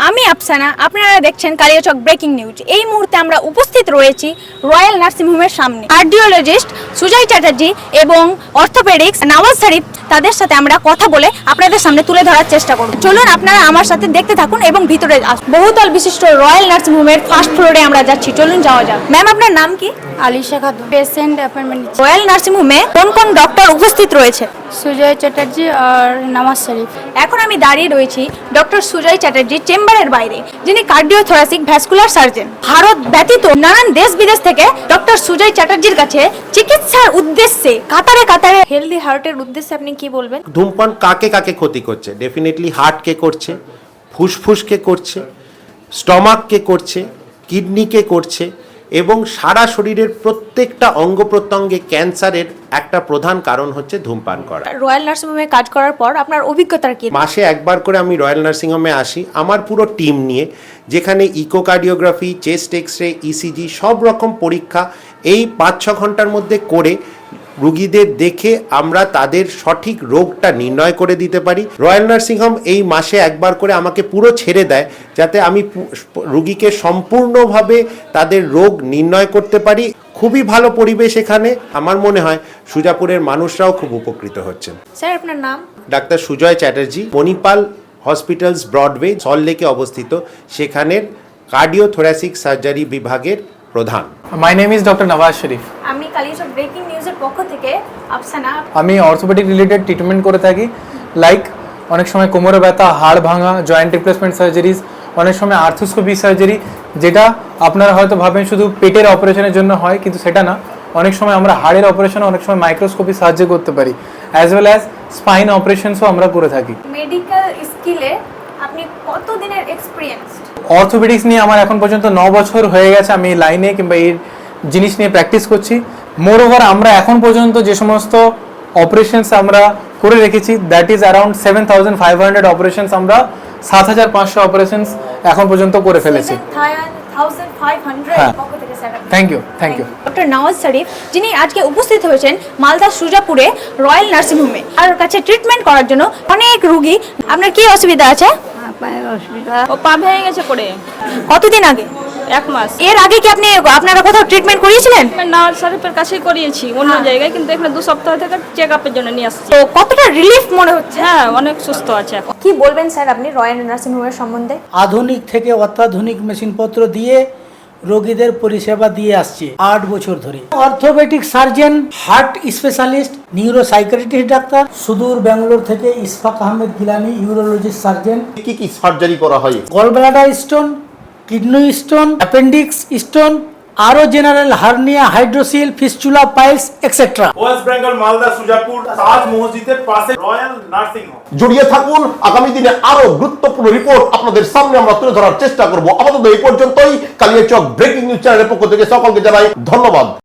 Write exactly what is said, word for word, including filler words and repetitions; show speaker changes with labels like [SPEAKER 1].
[SPEAKER 1] আমি আফসানা, আপনারা দেখছেন কালিয়াচক ব্রেকিং নিউজ। এই মুহূর্তে আমরা উপস্থিত রয়েছি রয়্যাল নার্সিং হোমের সামনে। কার্ডিওলজিস্ট সুজয় চ্যাটার্জি এবং অর্থোপেডিক্স নওয়াজ শরীফ, তাদের সাথে আমরা কথা বলে আপনাদের সামনে তুলে ধরার চেষ্টা করব। চলুন আপনারা আমার সাথে দেখতে থাকুন এবং ভিতরে আসুন। বহুতল বিশিষ্ট রয়্যাল নার্সিং হোমের ফার্স্ট ফ্লোরে আমরা যাচ্ছি, চলুন যাওয়া যাক। ম্যাম, আপনার নাম কি?
[SPEAKER 2] Alisha Khatun. Patient appointment
[SPEAKER 1] royal nursing হোমে কোন কোন ডক্টর উপস্থিত রয়েছে?
[SPEAKER 2] সুজয় চ্যাটার্জি আর নওয়াজ শরীফ।
[SPEAKER 1] এখন আমি দাঁড়িয়ে রয়েছি ডক্টর সুজয় চ্যাটার্জি চেম্বারের বাইরে, যিনি কার্ডিওথোরাসিক ভ্যাসকুলার সার্জন। ভারত ব্যতীত নানান দেশ বিদেশ থেকে ডক্টর সুজয় চ্যাটার্জির কাছে চিকিৎসার উদ্দেশ্যে কাতারে কাতারে। হেলদি হার্টের উদ্দেশ্যে আপনি কি বলবেন?
[SPEAKER 3] ধূমপান কাকে কাকে ক্ষতি করছে? ডেফিনেটলি হার্টকে করছে, ফুসফুসকে করছে, স্টমাককে করছে, কিডনিকে করছে এবং সারা শরীরের প্রত্যেকটা অঙ্গ প্রত্যঙ্গে ক্যান্সারের একটা প্রধান কারণ হচ্ছে ধূমপান করা।
[SPEAKER 1] রয়্যাল নার্সিং হোমে কাজ করার পর আপনার অভিজ্ঞতা কি?
[SPEAKER 3] মাসে একবার করে আমি রয়্যাল নার্সিং হোমে আসি আমার পুরো টিম নিয়ে, যেখানে echocardiography, chest X ray, ECG সব রকম পরীক্ষা এই পাঁচ ছ ঘন্টার মধ্যে করে রুগীদের দেখে আমরা তাদের সঠিক রোগটা নির্ণয় করে দিতে পারি। রয়্যাল নার্সিং হোম এই মাসে একবার করে আমাকে পুরো ছেড়ে দেয়, যাতে আমি রুগীকে সম্পূর্ণভাবে তাদের রোগ নির্ণয় করতে পারি। খুবই ভালো পরিবেশ এখানে। আমার মনে হয় সুজাপুরের মানুষরাও খুব উপকৃত হচ্ছেন।
[SPEAKER 1] স্যার, আপনার নাম?
[SPEAKER 3] ডাক্তার সুজয় চ্যাটার্জি, মণিপাল হসপিটালস ব্রডওয়ে সল্টলেকে অবস্থিত, সেখানের কার্ডিওথোরাসিক সার্জারি বিভাগের প্রধান।
[SPEAKER 4] My name is doctor Nawaz Sharif.
[SPEAKER 1] আমি কালিয়াচক ব্রেকিং নিউজের পক্ষ থেকে আফসানা।
[SPEAKER 4] আমি অর্থোপেডিক রিলেটেড ট্রিটমেন্ট করে থাকি, লাইক অনেক সময় কোমরে ব্যথা, হাড় ভাঙা, জয়েন্ট রিপ্লেসমেন্ট সার্জারিজ, অনেক সময় আর্থোস্কোপি সার্জারি, যেটা আপনারা হয়তো ভাবেন শুধু পেটের অপারেশনের জন্য হয়, কিন্তু সেটা না। অনেক সময় আমরা হাড়ের অপারেশনে অনেক সময় মাইক্রোস্কোপি সাহায্য করতে পারি, অ্যাজ ওয়েল অ্যাজ স্পাইন অপারেশনসও আমরা করে থাকি।
[SPEAKER 1] মেডিকেল স্কিলে আপনি কত দিনের এক্সপিরিয়েন্স?
[SPEAKER 4] অর্থোপেডিক্স নিয়ে আমার এখন পর্যন্ত ন বছর হয়ে গেছে, আমি এই লাইনে কিংবা এই জিনিস নিয়ে প্র্যাকটিস করছি। মোর ওভার আমরা এখন পর্যন্ত যে সমস্ত অপারেশনস আমরা করে রেখেছি, that is around seven thousand five hundred operations আমরা সাত হাজার পাঁচশো অপারেশনস এখন পর্যন্ত করে ফেলেছি। হ্যাঁ, thank you thank you.
[SPEAKER 1] Doctor Nawaz Sharif, যিনি আজকে উপস্থিত হয়েছেন মালদা সুজাপুরে রয়্যাল নার্সিং হোমে আর কাছে ট্রিটমেন্ট করার জন্য অনেক রুগী। আপনার কি অসুবিধা আছে?
[SPEAKER 2] পায়ের অসুবিধা,
[SPEAKER 5] ও পা ভেঙে গেছে পড়ে।
[SPEAKER 1] কতদিন আগে?
[SPEAKER 5] এক মাস।
[SPEAKER 1] এর আগে কি আপনি আপনারা কোথাও ট্রিটমেন্ট করিয়েছিলেন?
[SPEAKER 5] আমি নওয়াজ শরীফের কাছেই করিয়েছি অন্য জায়গায়, কিন্তু এখানে দু সপ্তাহ থেকে চেক আপের জন্য নিয়ে আসছি।
[SPEAKER 1] তো কতটা রিলিফ মনে হচ্ছে?
[SPEAKER 5] হ্যাঁ, অনেক সুস্থ আছে এখন।
[SPEAKER 1] কি বলবেন স্যার আপনি রয়্যাল নার্সিং হোমের সম্বন্ধে?
[SPEAKER 6] আধুনিক থেকে অত্যাধুনিক মেশিনপত্র দিয়ে রোগীদের পরিষেবা দিয়ে আসছে আট বছর ধরে। Orthopaedic surgeon, heart specialist, neuro psychiatrist ডাক্তার, সুদূর ব্যাঙ্গালোর থেকে ইসফাক আহমেদ গিলানি, ইউরোলজিস্ট সার্জন।
[SPEAKER 7] কি কি সার্জারি করা হয়?
[SPEAKER 6] Gallbladder stone, kidney stone, appendix stone, আরো general hernia, hydrocele, fistula, piles etcetera.
[SPEAKER 8] West Bengal Malda Sujapur Taj মসজিদের পাশে রয়্যাল নার্সিং হোম।
[SPEAKER 7] জড়িয়ে থাকুন, আগামী দিনে আরো গুরুত্বপূর্ণ রিপোর্ট আপনাদের সামনে আমরা তুলে ধরার চেষ্টা করব। আপাতত এই পর্যন্তই। কালিয়াচক ব্রেকিং নিউজ চ্যানেলের পক্ষ থেকে সকলকে জানাই ধন্যবাদ।